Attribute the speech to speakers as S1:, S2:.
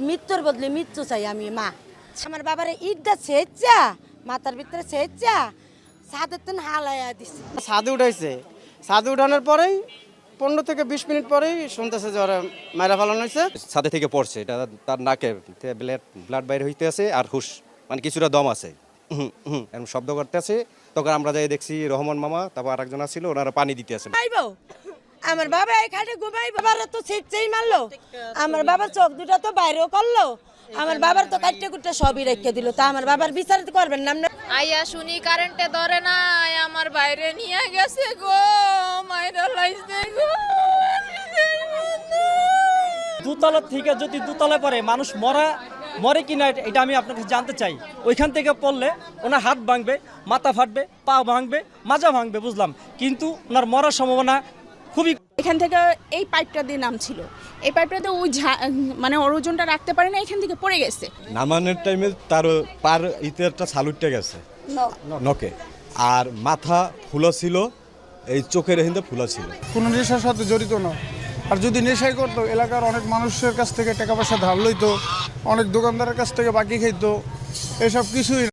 S1: মৃত্যুর বদলে মৃত্যু চাই আমি মা। আমার বাবার ইটটা ছেঁচা মাথার ভিতরে ছেঁচা ছাদের তেন হালাইয়া দিছে।
S2: ছাদে উঠাইছে, ছাদে উঠানোর পরেই 15 থেকে 20 মিনিট পরেই শুনতেছে যে ওরা মায়েরা ফেলানো হয়েছে।
S3: ছাদে থেকে পড়ছে, এটা তার নাকে ব্লাড বাইরে হইতে আছে আর হুশ মানে কিছুটা দম আছে, এরকম শব্দ করতে আছে। তখন আমরা যাই দেখছি রহমান মামা, তারপর আরেকজন ছিল, ওনারা পানি দিতে আছে।
S1: আমার বাবা এই খাটে ঘুমাই, বাবার তো ছেঁচেই মারলো। আমার বাবার চোখ দুটা তো বাইরেও করলো, আমার বাবার তো কাটতে কুটতে সবই রেখে দিল। তা আমার বাবার বিচার করবেন না?
S4: আইয়া শুনি কারেন্টে ধরে না, আমার বাইরে নিয়ে গেছে গো, মাইরা লাইছে গো।
S5: দুতলা থেকে যদি দুতলায় পড়ে মানুষ মরে কিনা এটা আমি আপনাকে জানতে চাই। ওইখান থেকে পড়লে ওনার হাত ভাঙবে, মাথা ফাটবে, পা ভাঙবে, মাজা ভাঙবে, বুঝলাম, কিন্তু ওনার মরার সম্ভাবনা খুবই।
S6: এখান থেকে এই পাইপটা দিয়ে নামছিল, এই পাইপটাতে ওই মানে ওর ওজনটা রাখতে পারে না, এখান থেকে পড়ে গেছে।
S7: নামানোর টাইমে তার পার ইতেরটা সালুটটা গেছে নকে, আর মাথা ফুলা ছিল, এই চোখের হিন্দে ফুলা ছিল।
S8: কোনো নেশার সাথে জড়িত না। আর যদি নেশাই করতো, এলাকার অনেক মানুষের কাছ থেকে টাকা পয়সা ধার লইতো, অনেক দোকানদারের কাছ থেকে বাকি খাইতো, এসব কিছুই